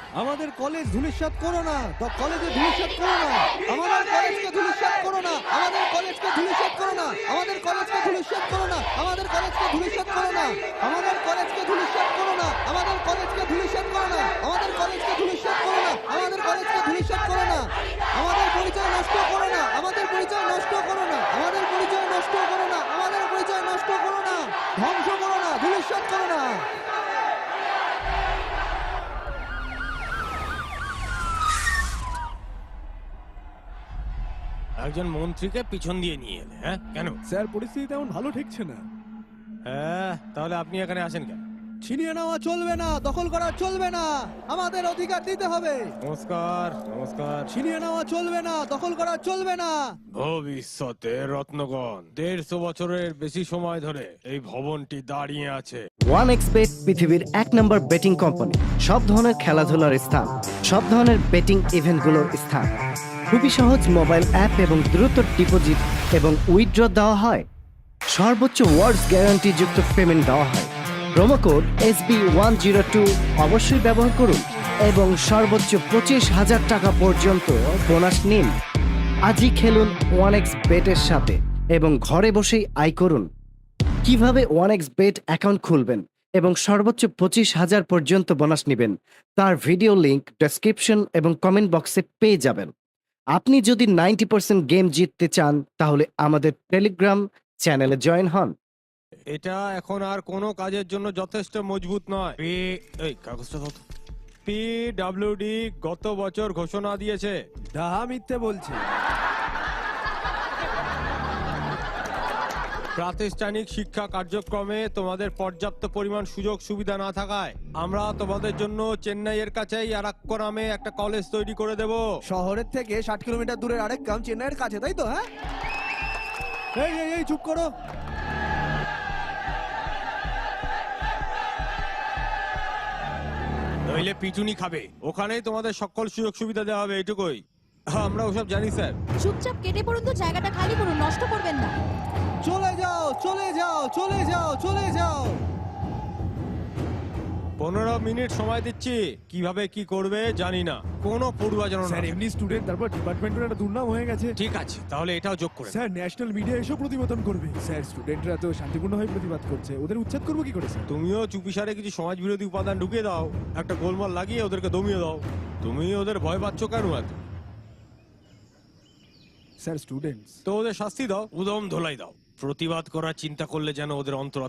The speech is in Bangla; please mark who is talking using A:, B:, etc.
A: আমাদের কলেজ ধূলিসাৎ করো না, কলেজে ধূলিসাৎ করো না, আমাদের কলেজকে ধূলিসাৎ করো না, আমাদের কলেজকে ধূলিসাৎ করো না, আমাদের কলেজকে ধূলিসাৎ করো না, আমাদের কলেজকে ধূলিসাৎ করো না, আমাদের কলেজকে ধূলিসাৎ করো না, আমাদের কলেজকে ধূলিসাৎ করো না, আমাদের কলেজকে ধূলিসাৎ করো না, আমাদের কলেজকে ধূলিসাৎ করো না, আমাদের পরিচয় নষ্ট করো না, আমাদের পরিচয় নষ্ট করো না, আমাদের পরিচয় নষ্ট করো না, আমাদের পরিচয় নষ্ট করো না, ধ্বংস করো না, ধূলিসাৎ করো না।
B: একজন মন্ত্রীকে পিছন দিয়ে নিয়ে এলে, হ্যাঁ কেন?
A: স্যার, পরিস্থিতি তেমন ভালো ঠেকছে না।
B: হ্যাঁ, তাহলে আপনি এখানে আসেন কেন?
A: ছিনিয়ে নেওয়া চলবে না, দখল করা চলবে না, আমাদের অধিকার দিতে হবে।
B: নমস্কার নমস্কার।
A: ছিনিয়ে নেওয়া চলবে না, দখল করা চলবে না।
B: ভবিষ্যতে রত্নগণ 150 বছরের বেশি সময় ধরে এই ভবনটি দাঁড়িয়ে আছে।
C: OneXBet পৃথিবীর 1 নম্বর বেটিং কোম্পানি। সব ধরনের খেলাধুলার স্থান, সব ধরনের বেটিং ইভেন্টগুলোর স্থান। খুবই সহজ মোবাইল অ্যাপ এবং দ্রুত ডিপোজিট এবং উইথড্র দেওয়া হয়। সর্বোচ্চ ওয়ার্ডস গ্যারান্টি যুক্ত পেমেন্ট দেওয়া হয়। প্রোমো কোড SB102 অবশ্যই ব্যবহার করুন এবং সর্বোচ্চ 25,000 টাকা পর্যন্ত বোনাস নিন। আজই খেলুন OneXBet এর সাথে এবং ঘরে বসেই আয় করুন। কিভাবে OneXBet অ্যাকাউন্ট খুলবেন এবং সর্বোচ্চ 25,000 পর্যন্ত বোনাস নেবেন তার ভিডিও লিংক ডেসক্রিপশন এবং কমেন্ট বক্সে পেয়ে যাবেন। আপনি যদি 90% গেম জিততে চান তাহলে আমাদের টেলিগ্রাম চ্যানেলে জয়েন হন।
B: এটা এখন আর কোনো কাজের জন্য যথেষ্ট মজবুত নয়। এই কাগজটা দাও তো। PWD গত বছর ঘোষণা দিয়েছে।
A: ডাহা মিথ্যে বলছি।
B: প্রাতিষ্ঠানিক শিক্ষা কার্যক্রমে তোমাদের পর্যাপ্ত পরিমাণ সুযোগ সুবিধা না থাকায় আমরা তোমাদের জন্য চেন্নাইয়ের কাছেই আরাক্কো নামে একটা কলেজ তৈরি করে দেব।
A: শহরের থেকে 60 কিলোমিটার দূরের আরেক গ্রাম চেন্নাইয়ের কাছে, তাই তো? হ্যাঁ, এই চুপ করো।
B: নইলে পিটুনি খাবে। ওখানেই তোমাদের সকল সুযোগ সুবিধা দেওয়া হবে, এটুকুই। আমরা ওসব জানি স্যার।
D: চুপচাপ কেটে পড়ুন তো, জায়গাটা খালি করুন, নষ্ট করবেন না।
A: চলে যাও, চলে যাও, চলে যাও, চলে যাও।
B: 15 মিনিট সময় দিচ্ছি। কিভাবে কি করবে জানি না, কোনো পড়ুয়া যেন না।
E: স্যার, এমনি স্টুডেন্ট, তারপর ডিপার্টমেন্টের একটা দুর্নাম হয়ে গেছে।
B: ঠিক আছে, তাহলে এটাও যোগ করে।
E: স্যার, ন্যাশনাল মিডিয়া এসব প্রতিবেদন করবে। স্যার, স্টুডেন্টরা তো শান্তিপূর্ণভাবে প্রতিবাদ করছে, ওদের উচ্ছেদ করবো কি করে স্যার?
B: তুমিও চুপিসারে কিছু সমাজ বিরোধী উপাদান ঢুকিয়ে দাও, একটা গোলমাল লাগিয়ে ওদেরকে দমিয়ে দাও। তুমি ওদের ভয় পাচ্ছ কেন এত?
E: স্যার, স্টুডেন্টস
B: তো ওদের শাস্তি দাও, উদম ধোলাই দাও। প্রতিবাদ করার চিন্তা করলে যেন ওদের অন্তর